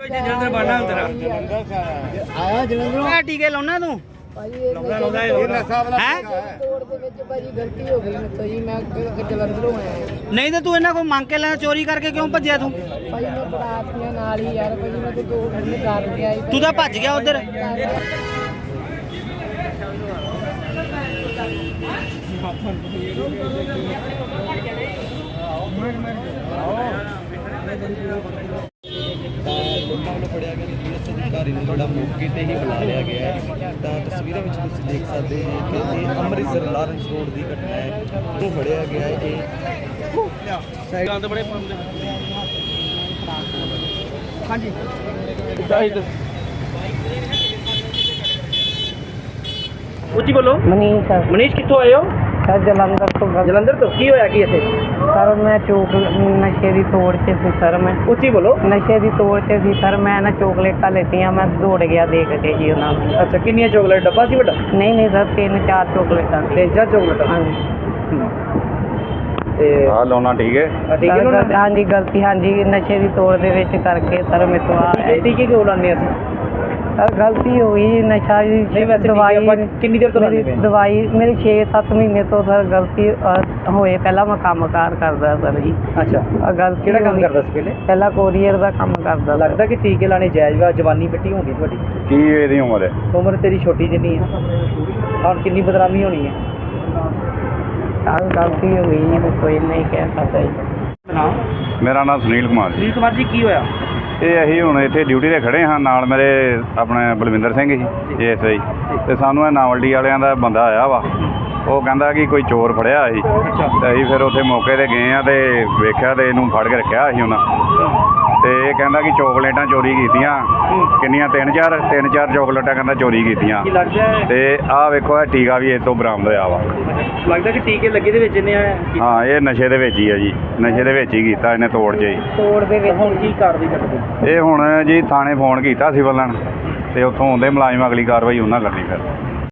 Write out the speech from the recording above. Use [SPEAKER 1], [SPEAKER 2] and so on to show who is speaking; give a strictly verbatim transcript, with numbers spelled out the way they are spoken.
[SPEAKER 1] ਜਲੰਧਰ ਬਾਣਾ ਤੇਰਾ
[SPEAKER 2] ਆਇਆ ਜਲੰਧਰੋਂ
[SPEAKER 1] ਟੀਕੇ ਲਾਉਣਾ ਤੂੰ
[SPEAKER 2] ਲਾਉਂਦਾ ਲਾਉਂਦਾ ਇਹ ਨਸ਼ਾ ਵਾਲਾ
[SPEAKER 1] ਹੈ
[SPEAKER 2] ਤੋੜ ਦੇ ਵਿੱਚ ਭਾਜੀ ਗਲਤੀ ਹੋ ਗਈ ਮੇਰੇ ਤੋਂ ਜੀ ਮੈਂ ਅੱਗੇ ਜਲੰਧਰੋਂ ਆਇਆ
[SPEAKER 1] ਨਹੀਂ ਤੇ ਤੂੰ ਇਹਨਾਂ ਕੋਲ ਮੰਗ ਕੇ ਲੈਣਾ ਚੋਰੀ ਕਰਕੇ ਕਿਉਂ ਭੱਜਿਆ ਤੂੰ
[SPEAKER 2] ਭਾਜੀ ਮੈਂ ਬਰਾਤੀਆਂ ਨਾਲ ਹੀ ਯਾਰ ਭਾਜੀ ਮੈਂ ਤੇ ਦੋ ਘੰਟੇ ਕਾਰ ਕੇ ਆਈ
[SPEAKER 1] ਤੂੰ ਤਾਂ ਭੱਜ ਗਿਆ ਉਧਰ
[SPEAKER 3] ਲੋਕਾਂ ਵੱਲੋਂ ਫੜਿਆ ਗਿਆ ਪੁਲਿਸ ਅਧਿਕਾਰੀ ਨੂੰ ਜਿਹੜਾ ਮੌਕੇ ਤੇ ਹੀ ਬੁਲਾ ਲਿਆ ਗਿਆ ਹੈ ਤਾਂ ਤਸਵੀਰਾਂ ਵਿੱਚ ਤੁਸੀਂ ਦੇਖ ਸਕਦੇ ਹੋ ਕਿ ਇਹ ਅੰਮ੍ਰਿਤਸਰ ਲਾਰੈਂਸ ਰੋਡ ਦੀ ਘਟਨਾ ਹੈ ਉਹ ਫੜਿਆ ਗਿਆ ਹੈ ਇਹ ਸਾਈਡਾਂ ਤੇ ਬੜੇ ਪਾਉਂਦੇ ਹਾਂਜੀ ਉੱਚੀ ਬੋਲੋ
[SPEAKER 2] ਮਨੀਸ਼ ਸਰ
[SPEAKER 1] ਮਨੀਸ਼ ਕਿੱਥੋਂ ਆਏ ਹੋ
[SPEAKER 2] ਸਰ ਜਲੰਧਰ ਤੋਂ ਗੱਲ-
[SPEAKER 1] ਜਲੰਧਰ ਤੋਂ ਕੀ ਹੋਇਆ ਕੀ ਇੱਥੇ
[SPEAKER 2] ਸਰ ਮੈਂ ਚੋਕ ਨਸ਼ੇ ਦੀ ਤੋੜ 'ਚ ਸੀ ਸਰ ਮੈਂ
[SPEAKER 1] ਉੱਚੀ ਬੋਲੋ
[SPEAKER 2] ਨਸ਼ੇ ਦੀ ਤੋੜ 'ਚ ਸੀ ਸਰ ਮੈਂ ਨਾ ਚੋਕਲੇਟਾਂ ਲੈਤੀਆਂ ਮੈਂ ਦੌੜ ਗਿਆ ਦੇਖ ਕੇ ਜੀ ਉਹਨਾਂ ਨੂੰ
[SPEAKER 1] ਅੱਛਾ ਕਿੰਨੀਆਂ ਚੋਕਲੇਟ ਡੱਬਾ ਸੀ ਵੱਡਾ
[SPEAKER 2] ਨਹੀਂ ਨਹੀਂ ਸਰ ਤਿੰਨ ਚਾਰ ਚੋਕਲੇਟਾਂ ਸੀ।
[SPEAKER 1] ਤਿੰਨ ਚਾਰ ਚੋਕਲੇਟ
[SPEAKER 2] ਹਾਂਜੀ
[SPEAKER 1] ਤੇ
[SPEAKER 4] ਆ ਲਾਉਣਾ ਠੀਕ ਹੈ
[SPEAKER 1] ਆ ਟੀਕੇ
[SPEAKER 2] ਸਰ,
[SPEAKER 1] ਲਾਉਣਾ
[SPEAKER 2] ਹਾਂਜੀ ਗਲਤੀ ਹਾਂਜੀ ਨਸ਼ੇ ਦੀ ਤੋੜ ਦੇ ਵਿੱਚ ਕਰਕੇ ਸਰ ਮੇਰੇ ਤੋਂ ਆ
[SPEAKER 1] ਇਹ ਟੀਕੇ ਕਿਉਂ ਲਾਉਂਦੇ ਅਸੀਂ
[SPEAKER 2] ਸਰ ਗਲਤੀ ਹੋ ਗਈ ਨਸ਼ਾ ਜੀ
[SPEAKER 1] ਨਹੀਂ ਵੈਸੇ
[SPEAKER 2] ਦਵਾਈ
[SPEAKER 1] ਆਪਾਂ ਕਿੰਨੀ ਦੇਰ ਤੋਂ ਲਾਉਂਦੇ
[SPEAKER 2] ਮੇਰੀ
[SPEAKER 1] ਪਏ
[SPEAKER 2] ਦਵਾਈ ਮੇਰੀ ਛੇ ਸੱਤ ਮਹੀਨੇ ਤੋਂ ਸਰ ਗਲਤੀ ਅਹ, ਹੋਏ ਪਹਿਲਾਂ ਮੈਂ ਕੰਮਕਾਰ ਕਰਦਾ ਸਰ ਜੀ
[SPEAKER 1] ਅੱਛਾ
[SPEAKER 2] ਆਹ ਗਲਤੀ
[SPEAKER 1] ਕਿਹੜਾ ਕੰਮ
[SPEAKER 2] ਹੋ ਗਈ।
[SPEAKER 1] ਕਰਦਾ ਸੀ ਪਹਿਲੇ
[SPEAKER 2] ਪਹਿਲਾਂ ਕੋਰੀਅਰ ਦਾ ਕੰਮ ਕਰਦਾ ਸਰ।
[SPEAKER 1] ਲੱਗਦਾ ਕਿ ਟੀਕੇ ਲਾਣੇ ਜਾਇਜ਼ ਵਾ ਜਵਾਨੀ ਮਿੱਟੀ ਹੋਣੀ ਤੁਹਾਡੀ
[SPEAKER 4] ਕੀ ਇਹਦੀ ਉਮਰ ਹੈ
[SPEAKER 1] ਉਮਰ ਤੇਰੀ ਛੋਟੀ ਜਿੰਨੀ ਆ ਹੁਣ ਕਿੰਨੀ ਬਦਨਾਮੀ ਹੋਣੀ ਹੈ
[SPEAKER 2] ਸਰ ਗਲਤੀ ਹੋ ਗਈ ਜੀ ਮੈਂ ਕੋਈ ਨਹੀਂ ਕਹਿ ਸਕਦਾ ਜੀ
[SPEAKER 1] ਹਾਂ
[SPEAKER 4] ਮੇਰਾ ਨਾਮ ਸੁਨੀਲ ਕੁਮਾਰ ਜੀ
[SPEAKER 1] ਸੁਨੀਲ ਕੁਮਾਰ ਜੀ ਕੀ ਹੋਇਆ
[SPEAKER 4] ਇਹ ਅਸੀਂ ਹੁਣ ਇੱਥੇ ਡਿਊਟੀ ਤੇ ਖੜੇ ਹਾਂ ਨਾਲ ਮੇਰੇ ਆਪਣੇ Balwinder Singh G S I ਤੇ ਸਾਨੂੰ ਇਹ ਨਾਵਲਡੀ ਵਾਲਿਆਂ ਦਾ ਬੰਦਾ ਆਇਆ ਵਾ ਉਹ ਕਹਿੰਦਾ ਕਿ ਕੋਈ ਚੋਰ ਫੜਿਆ ਸੀ
[SPEAKER 1] ਅੱਛਾ
[SPEAKER 4] ਤੇ ਅਸੀਂ ਫਿਰ ਉੱਥੇ ਮੌਕੇ ਤੇ ਗਏ ਆ ਤੇ ਵੇਖਿਆ ਤੇ ਇਹਨੂੰ ਫੜ ਕੇ ਰੱਖਿਆ ਸੀ ਉਹਨਾਂ ਤੇ ਇਹ ਕਹਿੰਦਾ ਕਿ ਚੋਕਲੇਟਾਂ ਚੋਰੀ ਕੀਤੀਆਂ ਕਿੰਨੀਆਂ ਤਿੰਨ ਚਾਰ ਤਿੰਨ ਚਾਰ ਚੋਕਲੇਟਾਂ ਕਹਿੰਦਾ ਚੋਰੀ ਕੀਤੀਆਂ
[SPEAKER 1] ਕੀ ਲੱਗਦਾ ਹੈ
[SPEAKER 4] ਤੇ ਆਹ ਵੇਖੋ ਇਹ ਟੀਕਾ ਵੀ ਇਹ ਤੋਂ ਬਰਾਮਦ ਹੋਇਆ ਵਾ
[SPEAKER 1] ਲੱਗਦਾ ਕਿ ਟੀਕੇ ਲੱਗੇ ਦੇ ਵਿੱਚ ਇਹਨੇ
[SPEAKER 4] ਹਾਂ ਇਹ ਨਸ਼ੇ ਦੇ ਵਿੱਚ ਹੀ ਆ ਜੀ ਨਸ਼ੇ ਦੇ ਵਿੱਚ ਹੀ ਕੀਤਾ ਇਹਨੇ ਤੋੜ 'ਚ ਹੀ
[SPEAKER 2] ਤੋੜ ਦੇ ਵਿੱਚ
[SPEAKER 1] ਹੁਣ ਕੀ ਕਾਰਵਾਈ ਕਰਦੇ
[SPEAKER 4] ਇਹ ਹੁਣ ਜੀ ਥਾਣੇ ਫੋਨ ਕੀਤਾ ਸਿਵਲ ਲਾਈਨ ਤੇ ਉੱਥੋਂ ਆਉਂਦੇ ਮੁਲਾਜ਼ਮ ਅਗਲੀ ਕਾਰਵਾਈ ਉਹਨਾਂ ਕਰਨੀ ਫਿਰ